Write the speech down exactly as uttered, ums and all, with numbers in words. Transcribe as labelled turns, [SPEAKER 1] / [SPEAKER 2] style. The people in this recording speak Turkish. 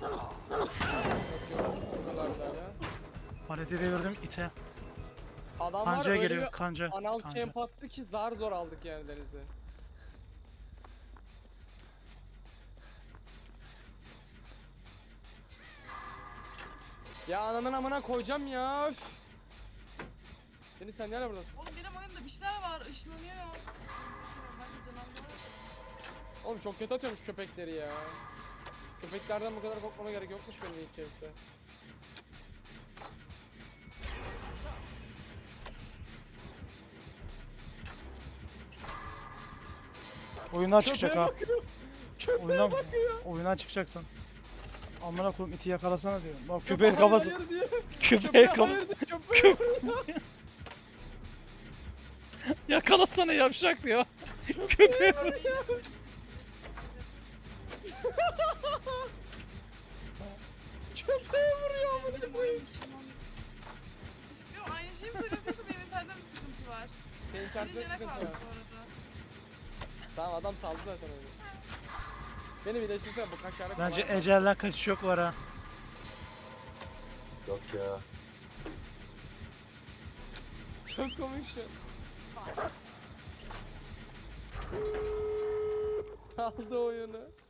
[SPEAKER 1] Yok yok. Çok olaylar ya.
[SPEAKER 2] Paraziti gördüm ite.
[SPEAKER 1] Adam var
[SPEAKER 2] Kancaya
[SPEAKER 1] öyle
[SPEAKER 2] geliyor
[SPEAKER 1] bir
[SPEAKER 2] kanca.
[SPEAKER 1] anal
[SPEAKER 2] kanca.
[SPEAKER 1] camp attı ki zar zor aldık yani denizi. Ya ananın amına koyacağım ya. Üf. Deniz sen nerede buradasın?
[SPEAKER 3] Oğlum benim oyunda bir şeyler var, ışınlanıyor. Ben de canavar.
[SPEAKER 1] Oğlum çok kötü atıyormuş köpekleri ya. Köpeklerden bu kadar korkmama gerek yokmuş benim ilk kezde.
[SPEAKER 2] Oyundan çıkacak
[SPEAKER 1] Köpeğe
[SPEAKER 2] ha.
[SPEAKER 1] bakıyor. Köpeğe
[SPEAKER 2] Oyundan,
[SPEAKER 1] bakıyor.
[SPEAKER 2] oyundan çıkacaksın. Amına koyayım iti yakalasana diyorum. Bak
[SPEAKER 1] Köpeğe
[SPEAKER 2] köpeğin kafası.
[SPEAKER 1] hayır diyor.
[SPEAKER 2] Köpeğin
[SPEAKER 1] Köpeğe
[SPEAKER 2] kafası.
[SPEAKER 1] hayır diyor. Köpeğe vuruyor.
[SPEAKER 2] Yakalasana yavşak diyor. Köpeğe.
[SPEAKER 1] Köpeğe vuruyor amına
[SPEAKER 3] Benim
[SPEAKER 1] koyayım.
[SPEAKER 3] oyun ışınlanıyor. Hiçbir aynı şeyi mi söylüyorsun yoksa benim sende mi sıkıntı var?
[SPEAKER 1] Senin kartında
[SPEAKER 3] Silicene
[SPEAKER 1] sıkıntı
[SPEAKER 3] kaldı
[SPEAKER 1] var.
[SPEAKER 3] bu arada.
[SPEAKER 1] Tamam adam saldı zaten öyle. Beni birleştirsene bu kaç tane
[SPEAKER 2] Bence
[SPEAKER 1] kolay var.
[SPEAKER 2] ecelden kaçış yok var ha.
[SPEAKER 4] Yok ya.
[SPEAKER 1] Çok komik şu. Aldı oyunu.